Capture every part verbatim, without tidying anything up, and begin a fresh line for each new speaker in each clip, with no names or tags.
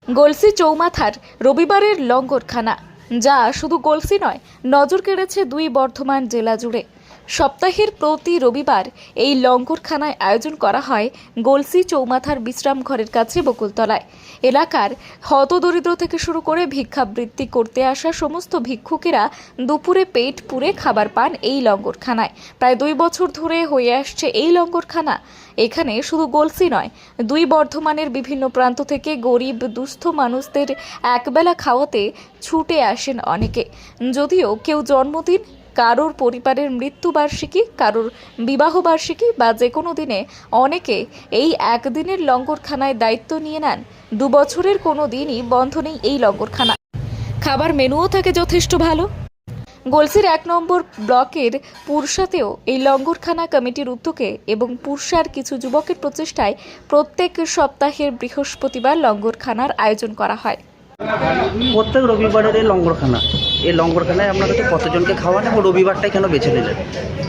গলসি চৌমাথার রবিবারের লঙ্গরখানা, যা শুধু গলসি নয়, নজর কেড়েছে দুই বর্ধমান জেলা জুড়ে। সপ্তাহের প্রতি রবিবার এই লঙ্গরখানায় আয়োজন করা হয় গলসি চৌমাথার বিশ্রাম ঘরের কাছে বকুলতলায়। এলাকার হতদরিদ্র থেকে শুরু করে ভিক্ষাবৃত্তি করতে আসা সমস্ত ভিক্ষুকেরা দুপুরে পেট পুরে খাবার পান এই লঙ্গরখানায়। প্রায় দুই বছর ধরে হয়ে আসছে এই লঙ্গরখানা। এখানে শুধু গলসি নয়, দুই বর্ধমানের বিভিন্ন প্রান্ত থেকে গরিব দুস্থ মানুষদের একবেলা খাওয়াতে ছুটে আসেন অনেকে। যদিও কেউ জন্মদিন, কারোর পরিবারের মৃত্যুবার্ষিকী, কারোর বিবাহবার্ষিকী বা যে কোনো দিনে অনেকে এই একদিনের লঙ্গরখানায় দায়িত্ব নিয়ে নেন। দু বছরের কোনো দিনই বন্ধ নেই এই লঙ্গরখানা। খাবার মেনুও থাকে যথেষ্ট ভালো। গলসির এক নম্বর ব্লকের পুরসাতেও এই লঙ্গরখানা কমিটির উদ্যোগে এবং পুরসার কিছু যুবকের প্রচেষ্টায় প্রত্যেক সপ্তাহের বৃহস্পতিবার লঙ্গরখানার আয়োজন করা হয়।
প্রত্যেক রবিবারের এই লঙ্গরখানা, এই লঙ্গরখানায় আপনারা তো কতজনকে খাওয়ান এবং রবিবারটাই কেন বেছে নিলেন?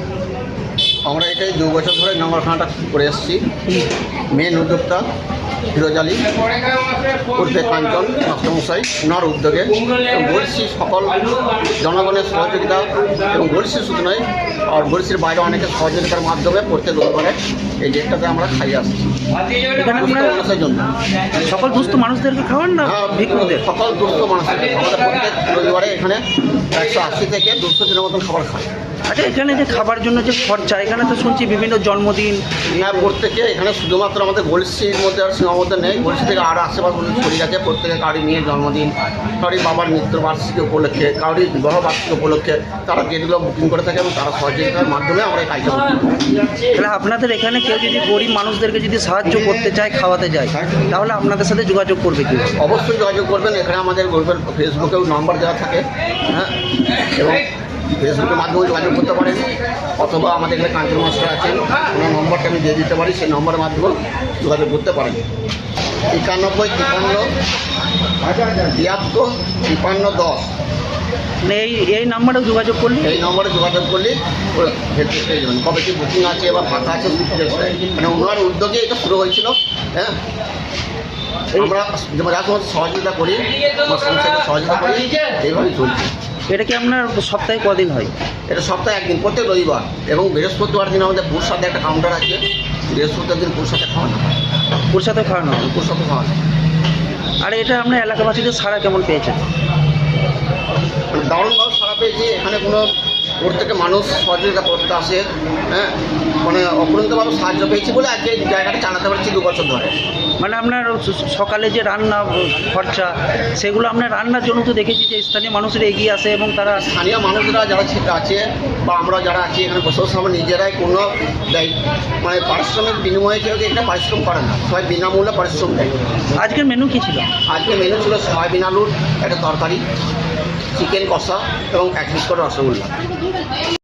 আমরা এটাই দু বছর ধরে লঙ্গরখানাটা করে এসেছি। মেন উদ্যোক্তা ফিরোজ আলী উর্ফে কাঞ্চন মাস্টারমশাই, ওনার উদ্যোগে এবং গলসি সকল জনগণের সহযোগিতা এবং গলসি শুধু নয়, আর গলসির বাইরে অনেকের সহযোগিতার মাধ্যমে প্রত্যেক রবিবারে এই ডেটটাতে আমরা খাইয়ে আসছি।
এখানে আপনারা
মানুষের জন্য
সকল দুস্থ মানুষদেরকে খাওয়ান না
হ্যাঁ,
ভিক্ষুকদের?
সকল দুস্থ মানুষের আমাদের প্রত্যেক রবিবারে এখানে একশো আশি থেকে দুশো দিনের মতন খাবার খায়।
আচ্ছা, এখানে যে খাবার জন্য যে খরচা, এখানে তো শুনছি বিভিন্ন জন্মদিন।
হ্যাঁ, প্রত্যেকে এখানে শুধুমাত্র আমাদের গলসির মধ্যে আর সীমাবদ্ধ নেই, গলসি থেকে আরও আশেপাশে ছড়িয়ে গেছে। প্রত্যেকে কারি মেয়ের জন্মদিন, কারি বাবার মৃত্যুবার্ষিকী উপলক্ষে, কারি বিবাহ বার্ষিকী উপলক্ষে তারা গেটগুলো বুকিং করে থাকে এবং তারা সহযোগিতার মাধ্যমে আমরা এই কাজটা করি।
তাহলে আপনাদের এখানে কেউ যদি গরিব মানুষদেরকে যদি সাহায্য করতে চায়, খাওয়াতে যায়, তাহলে আপনাদের সাথে যোগাযোগ করবে কি?
অবশ্যই যোগাযোগ করবেন। এখানে আমাদের গ্রুপের ফেসবুকেও নম্বর দেওয়া থাকে, হ্যাঁ, এবং ফেসবুকের মাধ্যমে যোগাযোগ করতে পারেন, অথবা আমাদের এখানে কাঞ্চন মাস্টার আছেন, ওনার নম্বরটা আমি দিয়ে দিতে পারি, সেই নম্বরের মাধ্যমেও যোগাযোগ করতে পারেন। একানব্বই তিপ্পান্ন তিয়াত্তর তিপ্পান্ন দশ
মানে এই এই নাম্বারেও যোগাযোগ করলে,
এই নম্বরে যোগাযোগ করলে হেল্প পেয়ে যাবেন। কবে কি বুকিং আছে বা ফাঁকা আছে, মানে ওনার উদ্যোগে এটা শুরু হয়েছিল। হ্যাঁ, আমরা যেমন যা সমস্ত সহযোগিতা করি, আমার সংসারকে সহযোগিতা করি, এইভাবেই চলছে।
এটা কি আপনার সপ্তাহে কদিন হয়?
এটা সপ্তাহে একদিন, প্রত্যেক রবিবার এবং বৃহস্পতিবার দিন আমাদের পুরসাতে একটা কাউন্টার আছে। বৃহস্পতিবার দিন পুরসাতে খাওয়ানো হয়,
পুরসাতে খাওয়ানো হয়,
পুরসাতে খাওয়ানো।
আর এটা আপনার এলাকাবাসীদের সাড়া কেমন পেয়েছেন?
মানে দারুণভাবে সারা পেয়েছি। এখানে কোনো প্রত্যেকে মানুষ সহযোগিতা করতে আসে, হ্যাঁ, মানে অপরিমিতভাবে সাহায্য পেয়েছি বলে আজকে এই জায়গাটা চালাতে পারছি দু বছর ধরে।
মানে আপনার সকালে যে রান্না খরচা, সেগুলো আপনার রান্নার জন্য তো দেখেছি যে স্থানীয় মানুষেরা এগিয়ে আসে এবং তারা
স্থানীয় মানুষরা যারা আছে বা আমরা যারা আছি এখানে বসে বসে আমরা নিজেরাই কোনো দেয়, মানে পারিশ্রমিক বিনিময়ে কেউ একটা পারিশ্রম করে না, সবাই বিনামূল্যে পারিশ্রম দেয়।
আজকের মেনু কী ছিল?
আজকে মেনু ছিল সয়াবিন আলুর একটা তরকারি, চিকেন কষা এবং এক পিস করে রসগোল্লা।